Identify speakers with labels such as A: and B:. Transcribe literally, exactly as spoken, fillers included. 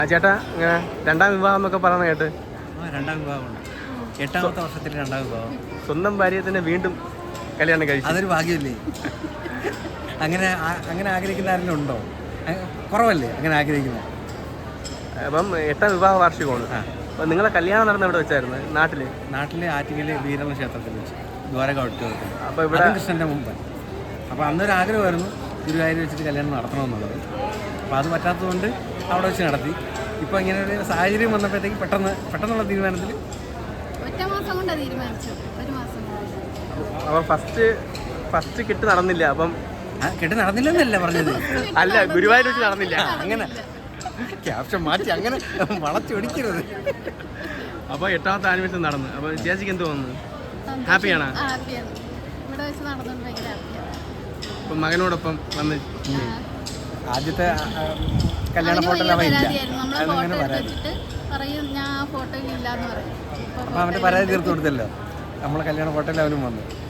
A: ചേട്ടാ ഇങ്ങനെ രണ്ടാം വിവാഹം എന്നൊക്കെ പറയുന്ന കേട്ട്.
B: രണ്ടാം വിവാഹമുണ്ട്, എട്ടാമത്തെ വർഷത്തിൽ രണ്ടാം വിവാഹം.
A: സ്വന്തം ഭാര്യയെ തന്നെ വീണ്ടും കല്യാണം കഴിച്ചു,
B: അതൊരു ഭാഗ്യമല്ലേ? അങ്ങനെ അങ്ങനെ ആഗ്രഹിക്കുന്ന ആരെങ്കിലും ഉണ്ടോ? കുറവല്ലേ അങ്ങനെ ആഗ്രഹിക്കുന്നത്.
A: അപ്പം എട്ടാം വിവാഹ വാർഷികമാണ്. അപ്പം നിങ്ങളെ കല്യാണം നടന്ന എവിടെ വെച്ചായിരുന്നു? നാട്ടില്
B: നാട്ടിലെ ആറ്റിങ്ങല് വീരമ ക്ഷേത്രത്തിൽ വെച്ച് ദ്വാരക.
A: അപ്പോൾ ഇവിടെ
B: കൃഷ്ണൻ്റെ മുമ്പ്. അപ്പോൾ അന്നൊരു ആഗ്രഹമായിരുന്നു ഗുരുവായൂർ വെച്ചിട്ട് കല്യാണം നടത്തണമെന്നുള്ളത്. അപ്പോൾ അത് പറ്റാത്തതുകൊണ്ട് അവിടെ വെച്ച് നടത്തി. ഇപ്പോൾ ഇങ്ങനെ ഒരു സാഹചര്യം വന്നപ്പോഴത്തേക്ക് പെട്ടെന്ന് പെട്ടെന്നുള്ള തീരുമാനത്തിൽ
C: ഒറ്റ മാസം കൊണ്ട് തീരുമാനിച്ചു. ഒരു മാസം
A: അപ്പോൾ ഫസ്റ്റ് ഫസ്റ്റ് കെട്ട് നടന്നില്ല. അപ്പം
B: കെട്ട് നടന്നില്ലെന്നല്ല പറഞ്ഞത്,
A: അല്ല ഗുരുവായൂർ വെച്ച് നടന്നില്ല.
B: അങ്ങനെ ക്യാപ്ഷൻ മാറ്റി അങ്ങനെ വളച്ചൊടിക്കരുത്.
A: അപ്പോൾ എട്ടാമത്തെ ആനിവേഴ്സറി നടന്നു. അപ്പോൾ ചേച്ചിക്ക് എന്ത് തോന്നുന്നു? ഹാപ്പിയാണോ?
C: ഹാപ്പിയാണ്. ഇവിടെ വെച്ച് നടന്നുകൊണ്ട് ഭയങ്കര ഹാപ്പിയാണ്.
A: അപ്പം മകനോടൊപ്പം വന്ന്
B: ആദ്യത്തെ കല്യാണ ഫോട്ടോയിൽ അവൻ ഇല്ല.
C: അങ്ങനെ പറയും ഞാൻ ആ ഫോട്ടോയിൽ ഇല്ലാന്ന് പറയും.
B: അപ്പോൾ അവൻ്റെ പരാതി തീർത്തു കൊടുത്തല്ലോ, നമ്മളെ കല്യാണ ഫോട്ടോയിൽ അവനും വന്നു.